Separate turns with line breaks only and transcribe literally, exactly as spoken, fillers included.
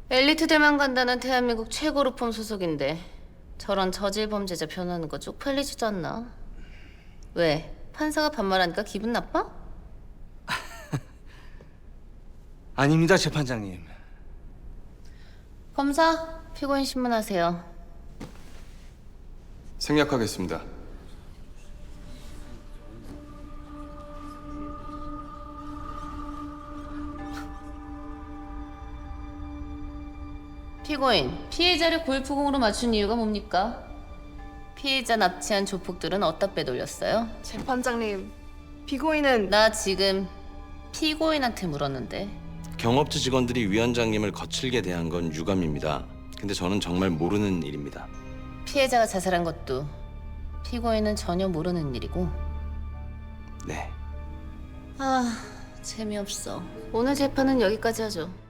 엘리트들만 간다는 대한민국 최고 로펌 소속인데 저런 저질 범죄자 변하는 거 쪽팔리지도 않나? 왜? 판사가 반말하니까 기분 나빠?
아닙니다, 재판장님.
검사, 피고인 신문하세요.
생략하겠습니다.
피고인, 피해자를 골프공으로 맞춘 이유가 뭡니까? 피해자 납치한 조폭들은 어디다 빼돌렸어요?
재판장님, 피고인은
나 지금 피고인한테 물었는데
경업주 직원들이 위원장님을 거칠게 대한 건 유감입니다. 근데 저는 정말 모르는 일입니다.
피해자가 자살한 것도 피고인은 전혀 모르는 일이고.
네.
아, 재미없어. 오늘 재판은 여기까지 하죠.